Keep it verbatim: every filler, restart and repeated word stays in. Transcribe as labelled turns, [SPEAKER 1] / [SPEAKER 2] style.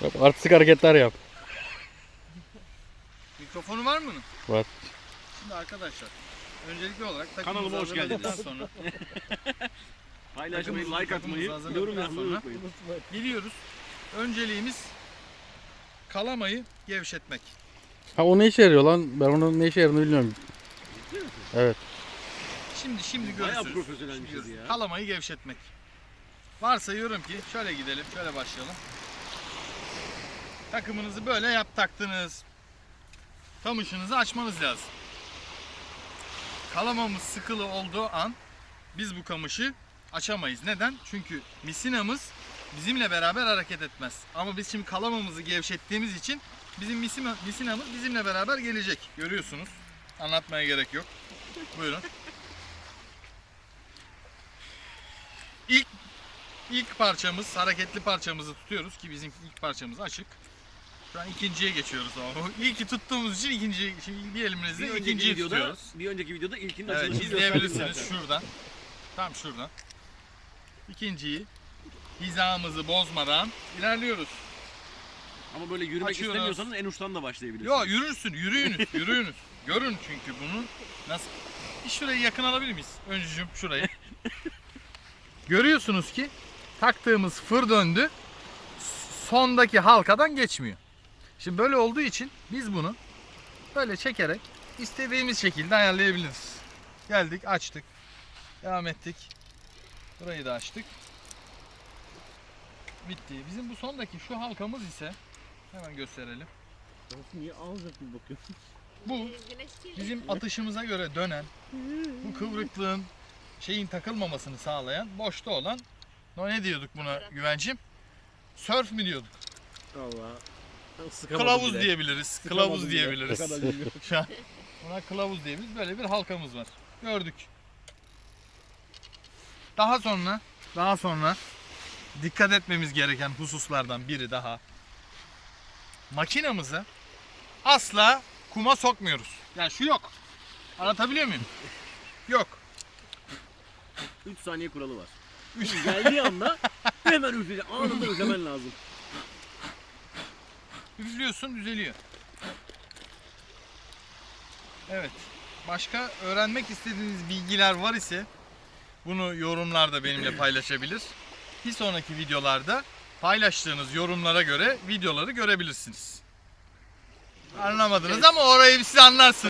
[SPEAKER 1] Yap, artistik hareketler yap.
[SPEAKER 2] Mikrofonu var mı bunun?
[SPEAKER 1] Var.
[SPEAKER 2] Şimdi arkadaşlar öncelikli olarak
[SPEAKER 3] Kanalıma hoş geldiniz.
[SPEAKER 2] sonra
[SPEAKER 3] Paylaşmayı,
[SPEAKER 2] takımımızı-
[SPEAKER 3] like atmayı,
[SPEAKER 2] takımımızı
[SPEAKER 3] yorum
[SPEAKER 2] hazırladıktan
[SPEAKER 3] yapmayı
[SPEAKER 2] sonra
[SPEAKER 3] unutmayın.
[SPEAKER 2] gidiyoruz. Önceliğimiz kalamayı gevşetmek.
[SPEAKER 1] Ha o ne işe yarıyor lan? Ben onun ne işe yaradığını bilmiyorum. Evet.
[SPEAKER 2] Şimdi şimdi
[SPEAKER 3] Bayağı
[SPEAKER 2] görürsünüz.
[SPEAKER 3] profesyonelmişiz
[SPEAKER 2] Şimdi görürsünüz.
[SPEAKER 3] ya.
[SPEAKER 2] Kalamayı gevşetmek. Varsayıyorum ki şöyle gidelim, şöyle başlayalım. Takımınızı böyle yap taktınız. Kamışınızı açmanız lazım. Kalamamız sıkılı olduğu an biz bu kamışı açamayız. Neden? Çünkü misinamız bizimle beraber hareket etmez. Ama biz şimdi kalamamızı gevşettiğimiz için bizim misina- misinamız bizimle beraber gelecek. Görüyorsunuz. Anlatmaya gerek yok. Buyurun. İlk ilk parçamız, hareketli parçamızı tutuyoruz ki bizim ilk parçamız açık. Şu an ikinciye geçiyoruz ama. İlki tuttuğumuz için ikinciyi, şimdi bir elimizle
[SPEAKER 3] Bir önceki
[SPEAKER 2] ikinciyi
[SPEAKER 3] videoda,
[SPEAKER 2] tutuyoruz.
[SPEAKER 3] bir önceki videoda ilkinin
[SPEAKER 2] Evet,
[SPEAKER 3] açılışını
[SPEAKER 2] izleyebilirsiniz
[SPEAKER 3] gösterdim zaten.
[SPEAKER 2] şuradan. Tam şuradan. İkinciyi hizamızı bozmadan ilerliyoruz.
[SPEAKER 3] Ama böyle yürümek
[SPEAKER 2] Açıyoruz.
[SPEAKER 3] istemiyorsanız en uçtan da başlayabilirsiniz.
[SPEAKER 2] Yo yürürsün, yürüyünüz, yürüyünüz. Görün çünkü bunu nasıl... Bir şurayı yakın alabilir miyiz? Öncücüm şurayı. Görüyorsunuz ki taktığımız fır döndü. Sondaki halkadan geçmiyor. Şimdi böyle olduğu için biz bunu böyle çekerek istediğimiz şekilde ayarlayabiliriz. Geldik, açtık. Devam ettik. Burayı da açtık. Bitti. Bizim bu sondaki şu halkamız ise hemen gösterelim.
[SPEAKER 3] Niye ağzına bakıyorsun?
[SPEAKER 2] Bu bizim atışımıza göre dönen, bu kıvrıklığın şeyin takılmamasını sağlayan, boşta olan, no ne diyorduk buna Güvencim? Sörf mi diyorduk?
[SPEAKER 3] Allah.
[SPEAKER 2] Kılavuz diyebiliriz. Kılavuz
[SPEAKER 3] bile.
[SPEAKER 2] diyebiliriz.
[SPEAKER 3] Ne kadar bilmiyorum.
[SPEAKER 2] Şu an buna kılavuz diyebiliriz. Böyle bir halkamız var. Gördük. Daha sonra, daha sonra dikkat etmemiz gereken hususlardan biri daha. Makinamızı asla kuma sokmuyoruz. Yani şu yok. Anlatabiliyor muyum? Yok.
[SPEAKER 3] üç saniye kuralı var. üç geldiği anda hemen üfleyeceksin. Anında üflemen lazım.
[SPEAKER 2] Üflüyorsun, düzeliyor. Evet. Başka öğrenmek istediğiniz bilgiler var ise bunu yorumlarda benimle paylaşabilir. Bir sonraki videolarda paylaştığınız yorumlara göre videoları görebilirsiniz. Anlamadınız ama orayı siz anlarsınız.